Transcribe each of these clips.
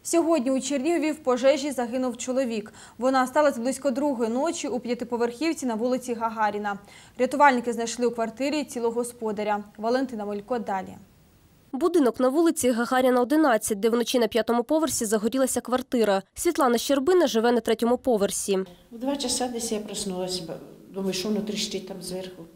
Сьогодні у Чернігові в пожежі загинув чоловік. Вона сталася близько 2-ї ночі у п'ятиповерхівці на вулиці Гагаріна. Рятувальники знайшли у квартирі тіло господаря. Валентина Мелько далі. Будинок на вулиці Гагаріна, 11, де вночі на 5-му поверсі загорілася квартира. Світлана Щербина живе на 3-му поверсі. В 2 часа десь я проснулася, думаю, що воно тріщить там зверху.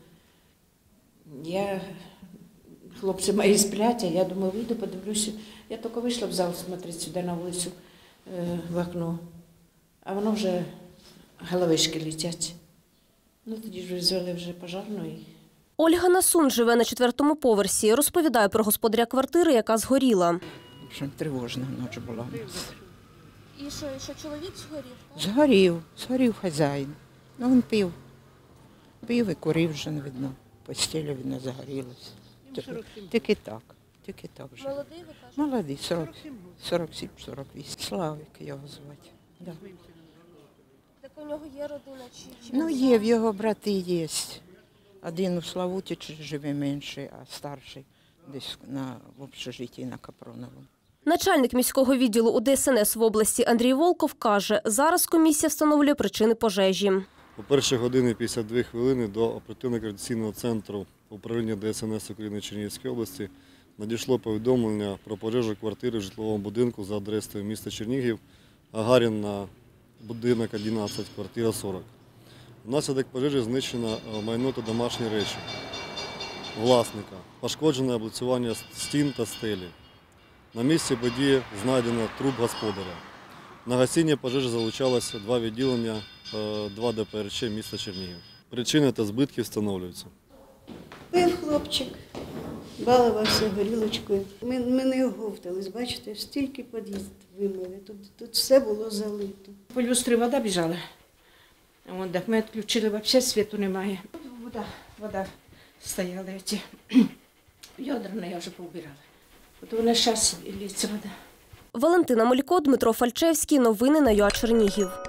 Хлопці мої сплять, а я думаю, вийду, подивлюся. Я тільки вийшла в зал смотреть сюди на вулицю, в окно, а воно вже головешки летять. Тоді ж визвали вже пожарну. Ольга Насун живе на 4-му поверсі. Розповідає про господаря квартири, яка згоріла. В общем, тривожна ніч була у нас. І що чоловік згорів? Згорів хазяїн. Він пив і курив вже, не видно. Постеля видно загорілась. Тільки так вже. Молодий, ви кажете? Молодий, 47-48. Славик його звати. Да. Так у нього є родина? Є, в його брати є. Один у Славутичі живе менший, а старший десь в общежитті на Капроновому. Начальник міського відділу УДСНС в області Андрій Волков каже, зараз комісія встановлює причини пожежі. О 1:52 до оперативно-координаційного центру управління ДСНС України Чернігівської області надійшло повідомлення про пожежу квартири в житловому будинку за адресою міста Чернігів, Гагаріна, будинок 11, квартира 40. Внаслідок пожежі знищено майно та домашні речі власника, пошкоджене облицювання стін та стелі. На місці події знайдено труп господаря. На гасіння пожежі залучалося 2 відділення, 2 ДПРЧ міста Чернігів. Причини та збитки встановлюються. Пив хлопчик, балувався горілочкою. Ми не оговтались, бачите, стільки під'їзд вимили, тут все було залито. По люстрі вода біжала. Так ми відключили, взагалі світу немає. Вода стояла, ці відра я вже поубирала. От вона зараз лється вода. Валентина Мелько, Дмитро Фальчевський. Новини на ЮА Чернігів.